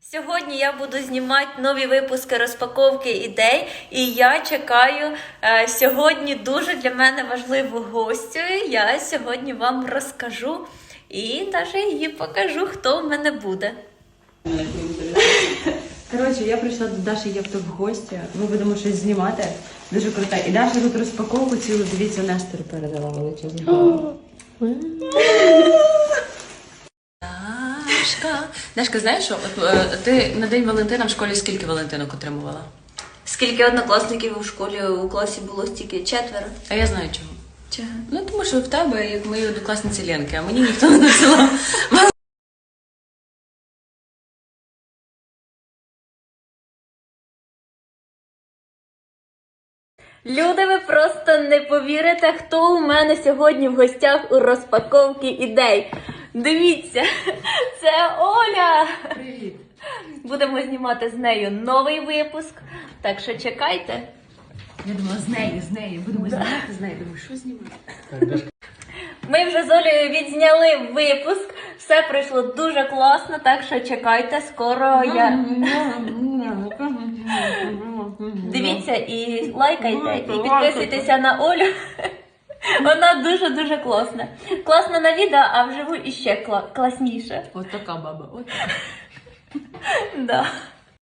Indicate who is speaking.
Speaker 1: Сьогодні я буду знімати нові випуски розпаковки ідей, і я чекаю сьогодні дуже для мене важливу гостю. Я сьогодні вам розкажу і навіть її покажу, хто в мене буде.
Speaker 2: Коротше, я прийшла до Даші Євто в гості, ми будемо щось знімати, дуже круто. І Даша тут розпаковку цілу, дивіться, Нестору передала величезну.
Speaker 3: Дашка, знаєш що? От, ти на День Валентина в школі скільки Валентинок отримувала?
Speaker 1: Скільки однокласників у школі, у класі було стільки? 4.
Speaker 3: А я знаю чого.
Speaker 1: Чого?
Speaker 3: Ну, тому що в тебе, як мої однокласниці Ленки, а мені ніхто не насилав.
Speaker 1: Люди, ви просто не повірите, хто у мене сьогодні в гостях у розпаковці ідей. Дивіться, це Оля!
Speaker 2: Привіт!
Speaker 1: Будемо знімати з нею новий випуск, так що чекайте.
Speaker 2: Я думала, з нею, будемо знімати з нею. Думаю, що знімати?
Speaker 1: Ми вже з Олею відзняли випуск, все пройшло дуже класно, так що чекайте, скоро я... Дивіться і лайкайте, і підписуйтеся на Олю. Вона дуже-дуже класна. Класна на відео, а вживу іще класніше.
Speaker 3: От така баба, от така.
Speaker 1: Да.